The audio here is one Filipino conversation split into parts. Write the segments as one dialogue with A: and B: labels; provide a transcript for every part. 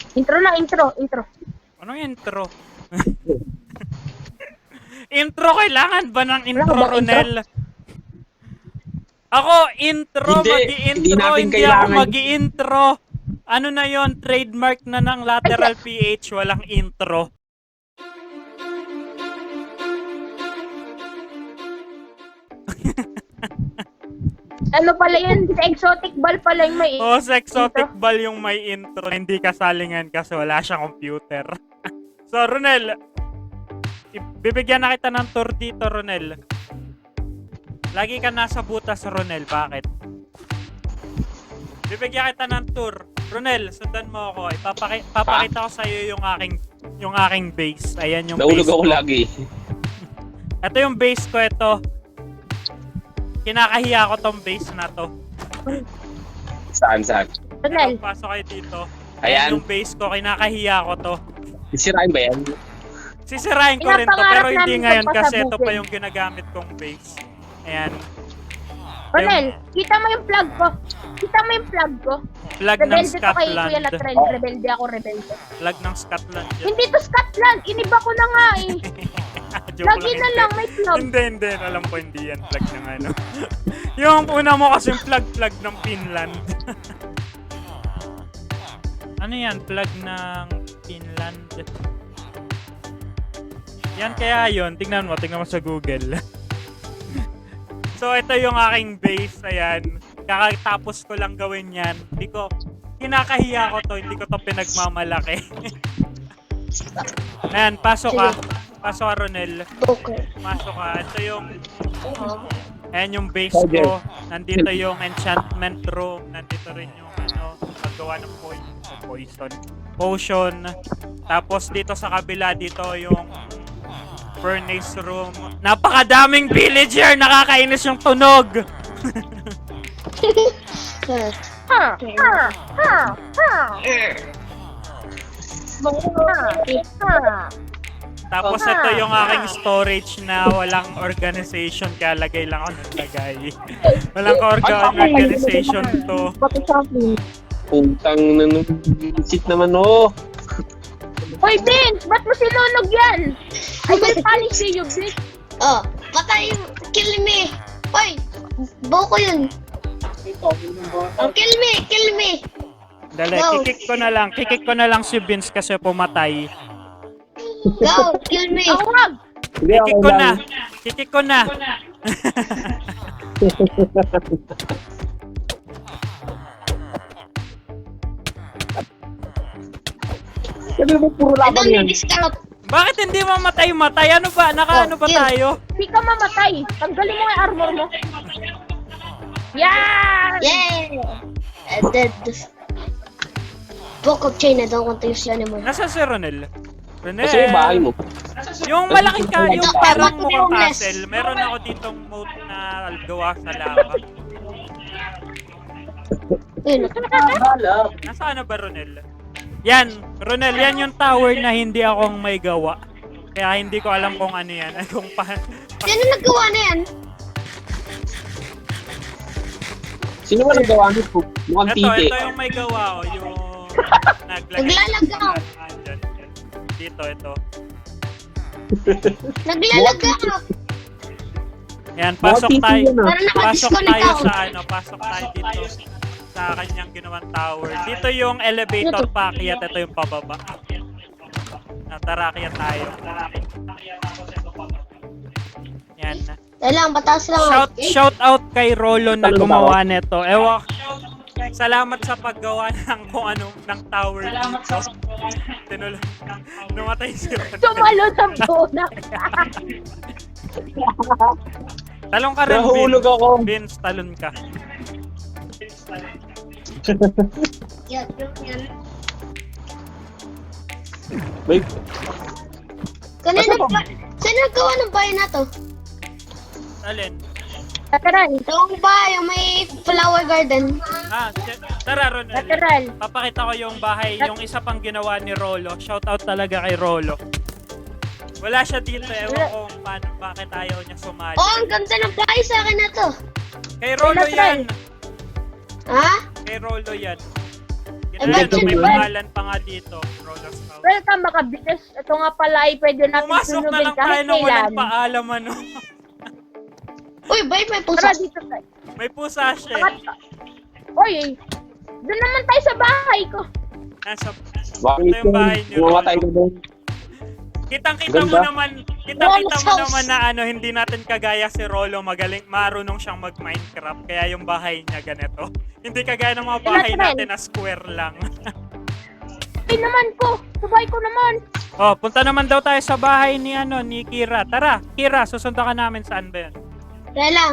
A: Intro na, intro.
B: Anong intro? Intro, kailangan ba ng intro,
A: Wala ka ba
B: Ronel? Ako, intro,
C: Hindi
B: magi-intro,
C: natin
B: hindi ako
C: kailangan.
B: magi-intro. Ano na yon, trademark na ng lateral PH, walang intro.
A: Ano pala yan? Sa exotic ball pala yung may
B: Oh, sa exotic ball yung may intro, hindi kasalingan kasi wala siyang computer. So, Ronel, bibigyan na kita ng tour dito, Ronel. Lagi ka nasa butas, Ronel. Bakit? Bibigyan kita ng tour. Ronel, sundan mo ako. Papakita ko sa'yo yung aking base. Ayan yung
C: Naulog
B: base
C: ako
B: ko.
C: lagi.
B: Ito yung base ko, ito. Kinakahiya ko tong base na to.
C: Saan?
A: Ronel.
B: Pero pasok kayo dito.
C: Ayan.
B: Ayan yung base ko. Kinakahiya ko to.
C: Sisirain ba yan?
B: Sisirain ko rin to,
A: Pinapangarap
B: pero hindi
A: namin
B: ngayon
A: to
B: kasi ito pa
A: pasabugin.
B: yung ginagamit kong base. Ayan.
A: Ronel, kita mo yung plug ko. Kita mo yung plug ko.
B: Flag ng
A: Rebelde to kay Kuya
B: Scotland.
A: Latrell. Rebelde ako, rebelde.
B: Flag ng Scotland yun.
A: Hindi to Scotland. Iniba ko na nga eh.
B: Joke
A: Lagi na
B: hindi.
A: lang, may plug.
B: Hindi. Alam ko hindi yan flag ng ano. Yung una mo kasi flag ng Finland. Ano yan? Flag ng Finland. Yan kaya yun. Tingnan mo sa Google. So, ito yung aking base. Ayan. Kakatapos ko lang gawin yan. Kinakahiya ko to. Hindi ko to pinagmamalaki. Ayan, pasok ka. Pasok ka, Ronel.
A: Okay.
B: Pasok ka. Ito yung... Ayan yung base ko. Nandito yung enchantment room. Nandito rin yung paggawa ng potion. Tapos dito sa kabila, dito yung furnace room. Napakadaming villager! Nakakainis yung tunog! Tapos ito yung aking storage na walang organization, kaya lagay lang ako ng lagay. Walang organization to.
C: Putang nanunsit naman oh.
A: Hoy, Vince! Ba't mo sinunog yan? I will punish you, Vince.
D: Oh, patay, kill me. Hoy, buko yun. Oh, kill me.
B: Dali,
D: Go.
B: kikik ko na lang si Vince kasi pumatay.
D: Go, kill me.
A: Ako wag!
B: Kikik ko na.
C: Sabi mo puro
D: I
C: laban
D: don't
C: yan.
D: need this carrot.
B: Bakit hindi mamatay? Ano ba? Nakaano ba
D: Oh, kill.
B: tayo?
A: Hindi ka mamatay. Tanggalin mo yung armor mo. Yan!
D: Yay! Dead. Book of chain, I don't want to use it anymore.
B: Nasa si Ronel? Ronel?
C: Kasi yung bahay mo.
B: Yung malaking yung
D: Ito,
B: parang
D: I want to be
B: mukhang
D: homeless.
B: castle. Meron ako ditong moat na gawa sa lava.
D: Yun.
B: Nasaan na ba, Ronel? Yan, Ronel, yan yung tower na hindi akong may gawa. Kaya hindi ko alam kung ano yan. Kung
D: Sino naggawa na yan?
C: Sino ba nagawa nito? Mukhang titi.
B: ito yung may gawa, yung naglagay.
D: Naglalagaw.
B: Andyan. Dito, ito.
D: Naglalagaw.
B: Yan, pasok
C: Mukhang
B: tayo.
C: titi yan, ah.
D: Parang
B: Pasok
D: nakadisconnect
B: tayo
D: ako.
B: pasok tayo dito sa kanyang ginawang tower. Dito yung elevator paakyat, ito yung pababa. Tara, akyat tayo. Yan.
D: Lang, pataas lang.
B: Shout out kay Rolo na gumawa nito. Salamat sa paggawa ng kung ano ng tower dito. Numatay si Ronel.
A: Sumalo sa bonak.
B: Talon ka rin,
C: Nahulog ako.
B: Vince, talon ka.
D: Yan.
C: Wait,
D: Kanina ba? Sino naggawa ng bahay na to?
B: Alin?
A: Lateral.
D: Yung bahay, yung may flower garden.
B: Tara, Ronel.
A: Lateral.
B: Papakita ko yung bahay, yung isa pang ginawa ni Rolo. Shout out talaga kay Rolo. Wala siya dito, ewan ko bakit ayaw niya sumali.
D: Oh, ang ganda ng bahay sa akin na to.
B: Kay Rolo yan!
D: Ha?
B: Kay Rolo yan. Ayan,
D: Imagine
B: may
D: ba?
B: pangalan pa nga dito. Rolos House.
A: Welcome mga business. Ito nga pala ay pwede natin
B: Pumasok na
A: sunugin
B: lang tayo
A: kahit
B: nang walang
A: kailan.
B: paalam, ano.
D: Uy, bay, may pusa.
A: Tara dito tayo.
B: May pusa siya.
A: Oy, doon naman tayo sa bahay ko.
B: Nasa,
C: Bakit
B: ito yung bahay niyo.
C: Bumatay ka doon.
B: Kitang-kita mo
C: Ganda.
B: naman,
D: Rolo's
B: mo
D: house.
B: naman na ano, hindi natin kagaya si Rolo, marunong siyang mag-Minecraft, kaya yung bahay niya ganito. Hindi kagaya ng mga bahay
A: Ilan,
B: natin na square lang.
A: Ay naman ko. Sa bahay ko naman.
B: Oh, punta naman daw tayo sa bahay ni Kira. Tara, Kira, susunod ka namin, saan ba yan?
D: Dahil lang.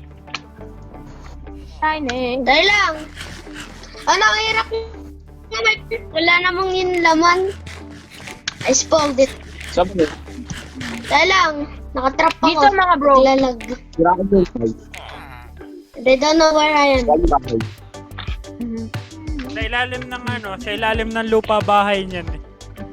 A: Tiny.
D: Dahil lang. Ano, ang hirap naman. Wala namang yung laman. I spoiled it.
C: Sabi mo,
D: Dahil lang. Nakatrap ako.
A: Dito mga bro.
D: Naglalag.
C: sira ka doon.
D: They don't know where I am.
C: Sabi bakit?
B: Sa ilalim ng lupa bahay niyan eh.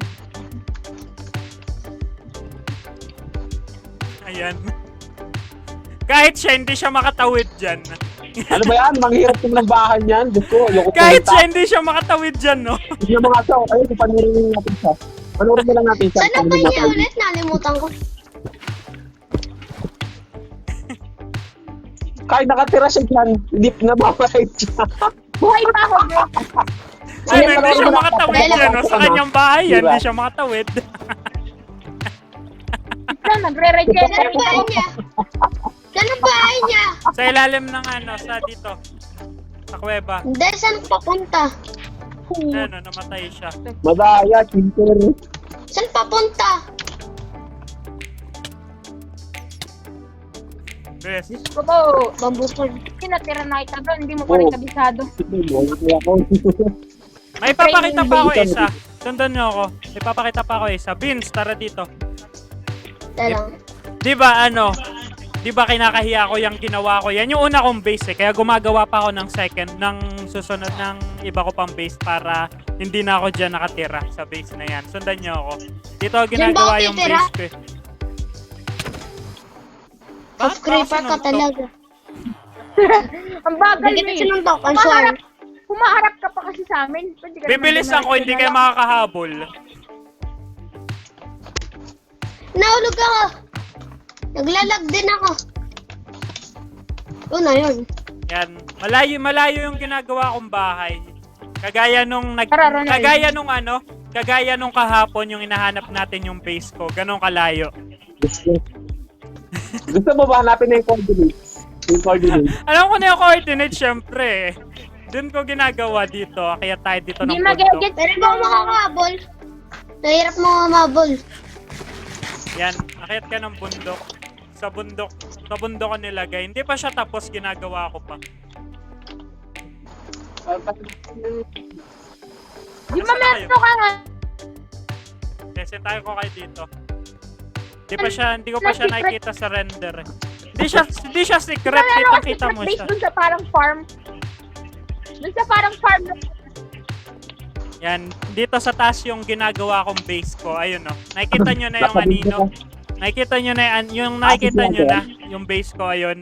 B: Ayan. Kahit siya, hindi siya makatawid dyan.
C: Ano ba yan? Manghirap yung ng bahay niyan. Diyos ko, ayoko
B: Kahit
C: pumunta.
B: siya, hindi siya makatawid dyan, no?
C: Hindi mga tao, kayo, panurin natin siya. Panurin na lang natin siya.
D: Saan na ba niya ulit? Nalimutan ko.
C: Kahit nakatira siya dyan, hindi na mamahay siya.
A: Buhay pa ako bro.
B: Ano, hindi siya makatawid
D: Dahil
B: dyan, no? Sa kanyang bahay yan,
C: Diba?
B: hindi siya makatawid.
A: Ito, nagre-regenerate
D: Saan ang bahay
A: ako.
D: niya? Saan ang bahay niya?
B: Sa ilalim ng sa dito. Sa kuweba.
D: Hindi, saan papunta?
B: Ano, namatay siya.
C: Madaya, chinter.
D: Saan papunta?
B: Bes.
A: Ko po.
D: Bambupol.
A: Hindi natira na kita bro. Hindi mo pa rin
C: Oh.
A: kabisado.
B: May papakita pa ako isa. Sundan niyo ako. May papakita pa ako isa. Vince, tara dito.
D: Dahil lang.
B: Di ba kinakahiya ko yung ginawa ko? Yan yung una kong base eh. Kaya gumagawa pa ako ng susunod ng iba ko pang base para hindi na ako dyan nakatira sa base na yan. Sundan niyo ako. Dito ako
D: Diyan ba
B: ginagawa
D: ako
B: yung
D: titira?
B: base ko eh. Bakit
D: Off creeper ka
B: sinuntok?
D: talaga.
A: Ang bagal
D: Hindi
A: mo
D: kita
A: eh.
D: sinuntok, I'm sorry.
A: Pumaharap ka pa kasi sa amin. Pwede ka naman
B: Bibilis
A: dumating
B: ako, hindi
A: na
B: kayo
A: lang.
B: makakahabol.
D: Nahulog ako. Naglalag din ako. Yun na yun.
B: Yan. Malayo yung ginagawa kong bahay. Kagaya nung
A: Tara, Ronald.
B: kagaya nung kahapon yung inahanap natin yung base ko. Ganong kalayo.
C: Gusto mo ba hanapin na yung coordinates? Yung coordinates.
B: Alam ko na yung coordinate, syempre. Doon ko ginagawa dito. Kaya tayo dito ng
A: Hindi
B: bundok.
A: mag-get.
D: Pero ba makakabol? Nahirap mo mamabol.
B: Yan. Akyat ka ng bundok. Sa bundok ko nilagay. Hindi pa siya tapos, ginagawa ko pa.
A: Di ba meron ka nga?
B: Kasi tayo ko kayo dito. Hindi ko pa siya
A: Secret.
B: nakikita sa render eh. Hindi siya secret.
A: Meron ka
B: Kita mo
A: base
B: siya.
A: dun sa parang farm. Dun sa parang farm.
B: Yan. Dito sa taas yung ginagawa kong base ko. Ayun o. Nakikita nyo na yung anino. Nakikita nyo na yung base ko. Ayun.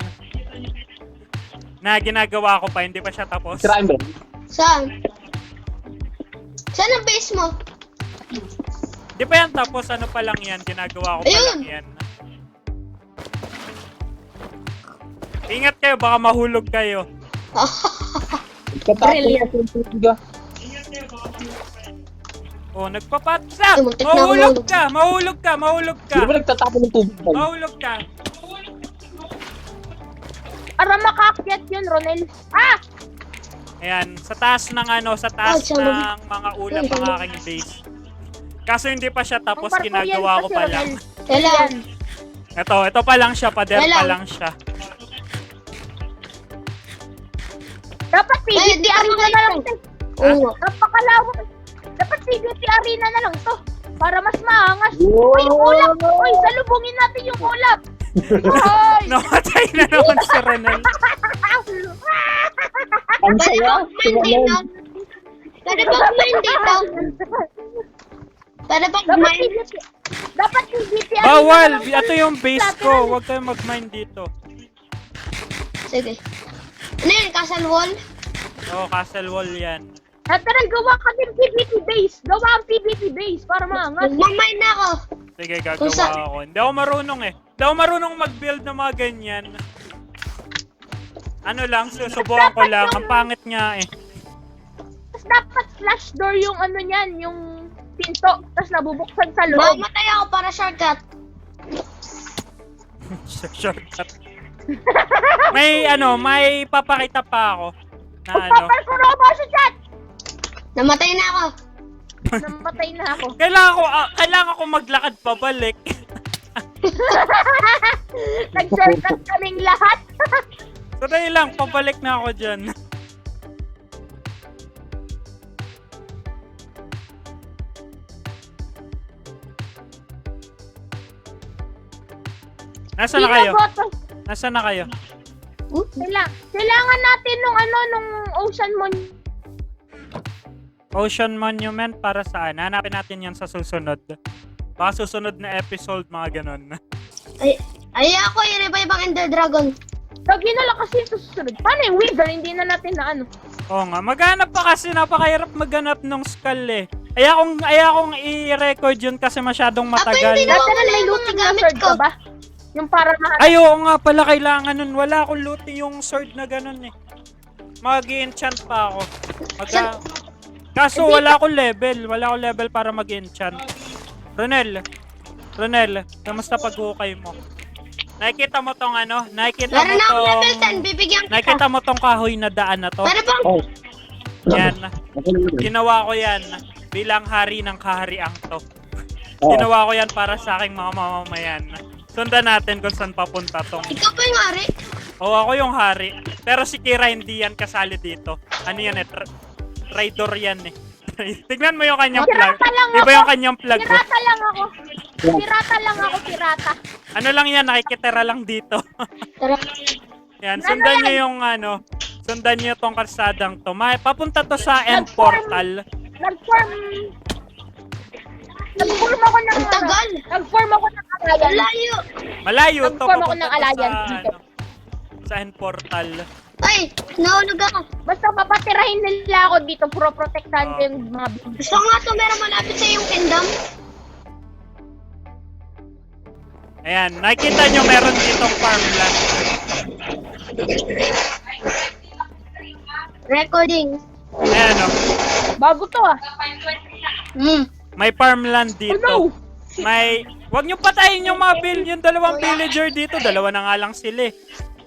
B: Na ginagawa ko pa. Hindi pa siya tapos.
C: Sirain ba?
D: Saan? Saan ang base mo?
B: Di pa yan tapos. Ano pa lang yan. Ginagawa ko pa
D: Ayun.
B: lang yan. Ingat kayo. Baka mahulog kayo.
A: Brilliant.
B: Oh, nagpapatsa!
D: Ay, muntik na
B: Mahulog ka!
C: Hindi ba nagtatapon ng tubig ba?
B: Mahulog ka!
A: Para makaakyat yun, Ronel. Ah!
B: Ayan, sa taas ng mga ulap ng aking base. Kaso hindi pa siya tapos,
A: Ang
B: ginagawa ko
A: kasi,
B: pa
A: Ronel.
B: lang.
D: Kailan?
B: Ito pa lang siya, pader pa
D: Kailan?
B: lang siya.
A: Dapat
D: Ay,
A: PvP
D: di ka
A: arena na lang
D: makita.
A: to.
D: Oo nga.
A: Napakalawak. Dapat PvP arena na lang to. Para mas maangas.
C: Wow!
A: Uy, ulap! Uy, salubungin natin yung ulap! Uy!
B: Namatay na naman si Ronel.
C: Ang
D: Pwede
C: saya.
D: ba kumain dito? Pwede ba kumain dito? Pwede ba
A: Dapat
D: kumain?
A: PvP. Dapat PvP arena
B: Bawal!
A: na lang to.
B: Ito yung base ko. Huwag kayong mag-mine dito.
D: Sige. Ano yun? Castle wall?
B: Oh, castle wall yan.
A: Lateral, gawa ka din PvP base. Gawa ang PvP base para maangat.
D: Magmamay na ako.
B: Sige,
D: Kung
B: gagawa ako. Hindi ako marunong eh. Hindi ako marunong mag-build ng mga ganyan. Ano lang, susubukan ko lang. Ang pangit nga eh.
A: Tapos dapat flash door yung ano niyan, yung pinto. Tapos nabubuksan sa loob.
D: Mamatay ako para shortcut.
B: Shortcut. May papakita pa ako. Na ano.
A: Magpaparkour ako sa chat!
D: Namatay na ako.
A: Namatay na ako.
B: Kailangan ko maglakad pabalik.
A: Nag-shortcut kaming lahat.
B: So dahil lang, pabalik na ako dyan. Nasaan na kayo? Nasaan na kayo?
A: Kailangan natin nung ocean
B: Ocean Monument para saan? Hanapin natin yan sa susunod. Baka susunod na episode, mga ganon.
D: Ay ako, i-revive ang Ender Dragon.
A: Lagi na lang kasi ito susunod. Paano yung Wither? Hindi na natin na ano.
B: Oo nga, maghanap pa kasi napakahirap maghanap ng skull eh. Ayakong i-record yun kasi masyadong matagal.
D: hindi na-
A: Lateral, may
D: yung
A: looting
D: mga
A: na
D: gamit
A: sword
D: ko.
A: ka ba? Yung para na...
B: Ay, oo nga pala, kailangan nun. Wala akong looting yung sword na ganun eh. Mag-enchant pa ako. Kaso wala akong level. Wala akong level para mag-enchant. Ronel, kamusta pag-hukay mo? Nakikita mo tong ano? Nakikita mo
D: Meron na akong level 10,
B: tong...
D: bibigyan kita.
B: Nakikita mo tong kahoy na daan na to?
D: Pero bang,
C: Oh.
B: Yan.
C: Okay lang yun.
B: Ginawa ko yan bilang hari ng kahariang to.
C: Oo.
B: Ginawa ko yan para sa aking mga mamamayan. Sundan natin kung saan papunta tong...
D: ikaw ba yung ari?
B: Oo, ako yung hari. Pero si Kira hindi yan kasali dito. Ano yan eh? Traitor yan eh. Tignan mo yung kanyang plug.
A: Pirata lang
B: Iba
A: ako.
B: yung kanyang plug. Oh.
A: Pirata lang ako. Pirata.
B: Ano lang yan, nakikitira lang dito.
D: Tara.
B: Yan, sundan nyo yung ano. Sundan nyo tong kalsadang to. Papunta to sa end portal.
A: Nag-form ako ng...
D: Ang tagal.
A: Nag-form ako ng alliance.
D: Layo.
B: Malayo to.
A: Nag-form ako
B: Papunta
A: ng
B: to
A: alliance
B: sa,
A: dito.
B: sa end portal.
D: Ay, nahulog ako.
A: Basta papatirahin nila ako dito. Puro protektahan ko yung mga
D: Gusto ko nga ito, meron malapit sa iyong kingdom.
B: Ayan, nakikita nyo meron ditong farmland.
D: Recording.
B: Ayan o.
A: bago to ah.
B: May farmland
A: Oh
B: dito.
A: no!
B: Wag nyo patayin yung mga yung dalawang villager dito. Dalawa na nga lang sila eh.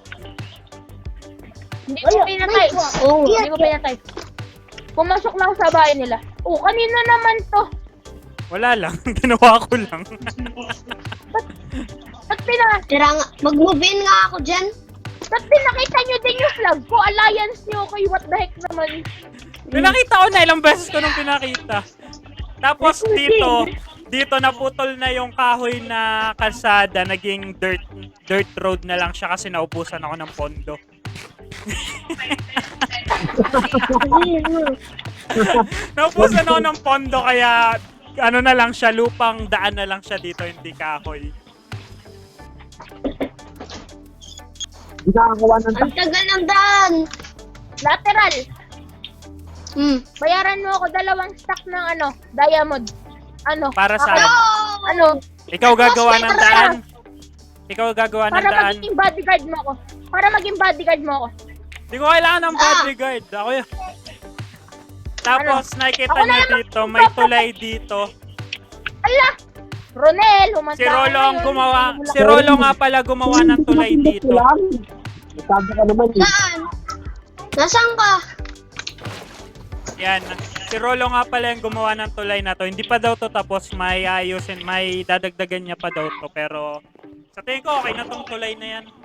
A: Hindi ko pinatay.
D: Oh,
A: Hindi ko pinatay. Pumasok lang sa bahay nila. Oh, kanina naman to.
B: Wala lang. Ginawa ko lang.
A: Ba't
D: tira nga, mag-move in nga ako dyan.
A: pinakita nyo din yung flag ko? Alliance nyo kayo, what the heck naman?
B: Pinakita ko na, ilang beses ko nung pinakita. Tapos dito naputol na yung kahoy na kalsada, naging dirt road na lang siya kasi naubusan ako ng pondo. Naubusan ako ng pondo kaya ano na lang siya, lupang daan na lang siya dito, hindi kahoy.
C: Hindi nakakawa ng
D: Ang tagal ng daan.
A: Lateral, bayaran mo ako 2 stack ng diamond.
B: Para saan?
A: Ano,
B: Ikaw gagawa ng daan? Ikaw gagawa ng
A: para
B: daan?
A: maging bodyguard mo ako. Para maging bodyguard mo ako.
B: Hindi ko kailangan ng bodyguard. Ako yun. Tapos nakikita
A: Ako na
B: niyo
A: naman.
B: dito, may tulay dito.
A: Ala! Ronel, humanda
B: Si Rolo
A: ka
B: ang
A: ngayon.
B: gumawa. Si Rolo nga pala gumawa ng tulay dito.
C: Sabi ka naman eh.
D: Saan? Nasaan ka?
B: Yan. Si Rolo nga pala yung gumawa ng tulay na to. Hindi pa daw to tapos, may ayusin, may dadagdagan niya pa daw to. Pero sa tingin ko okay na tong tulay na yan.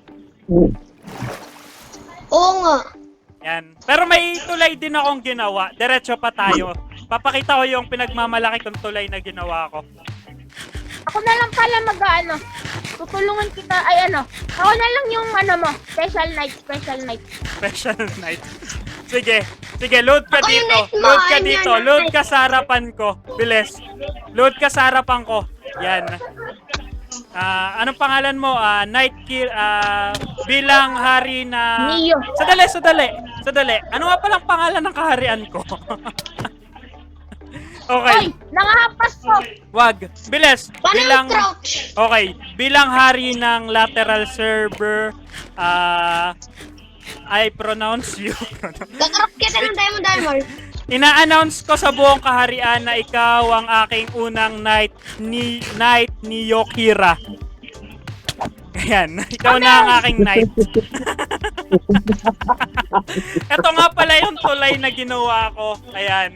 D: Oo nga.
B: Yan. Pero may tulay din akong ginawa. Diretso pa tayo. Papakita ko yung pinagmamalaki kong tulay na ginawa ko.
A: Ako na lang pala tutulungan kita, ako na lang yung mo, special night.
B: Special night. Sige, load ka
D: Ako yung
B: dito.
D: night mo,
B: Load ka
D: ayun
B: dito.
D: yan,
B: Load
D: night.
B: ka sa harapan ko. Bilis. Load ka sa harapan ko. Yan. Anong pangalan mo? Night Kill, bilang hari na...
A: Neo.
B: Sadali. Sadali, ano nga palang pangalan ng kaharian ko? Okay,
A: Hoy, nangahampas ko.
B: wag. Bilis.
D: Paano
B: Bilang,
D: yung crouch?
B: okay, bilang hari ng lateral server, I pronounce you.
D: Kakarap kita ng Diamond Armor.
B: Ina-announce ko sa buong kaharian na ikaw ang aking unang knight ni Yokira. Ayan, ikaw na ang aking knight. Ito nga pala yung tulay na ginawa ko. Ayan.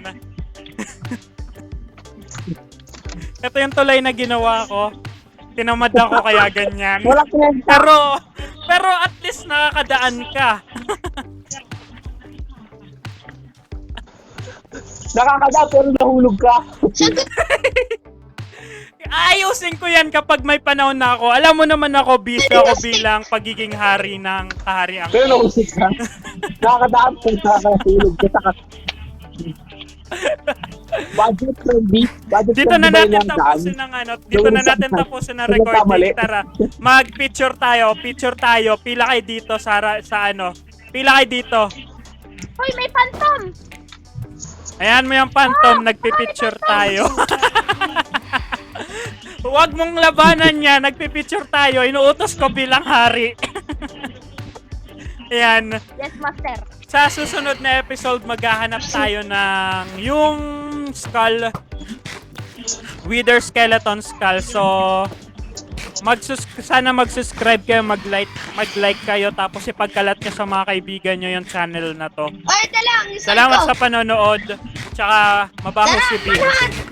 B: Ito yung tulay na ginawa ko. Tinamad ako kaya ganyan.
C: Wala kinenta.
B: Pero at least nakakadaan ka.
C: Nakakada pero nahulog ka.
D: Sagot.
B: Ayusin ko yan kapag may panahon na ako. Alam mo naman ako, busy ako bilang pagiging hari ng kaharian.
C: Pero nahulog ka. Nakakadaan pero nakakahulog ka. Budget friendly.
B: Dito na natin tapusin ng ano, dito na natin tapusin ng recording. Tara, mag-picture tayo, Pila kayo dito sa ano. Pila kayo dito.
A: Hoy, may phantom.
B: Ayan mo yung phantom, nagpipicture tayo. Huwag mong labanan niya, nagpipicture tayo. Inuutos ko bilang hari. Ayan.
A: Yes, master.
B: Sa susunod na episode, maghahanap tayo ng yung skull, Wither Skeleton Skull. So, sana mag-subscribe kayo, mag-like kayo, tapos ipagkalat nyo sa mga kaibigan nyo yung channel na to.
D: Ay, ito lang.
B: Salamat sa panonood. Tsaka, mabaho si Bill.
D: Tara,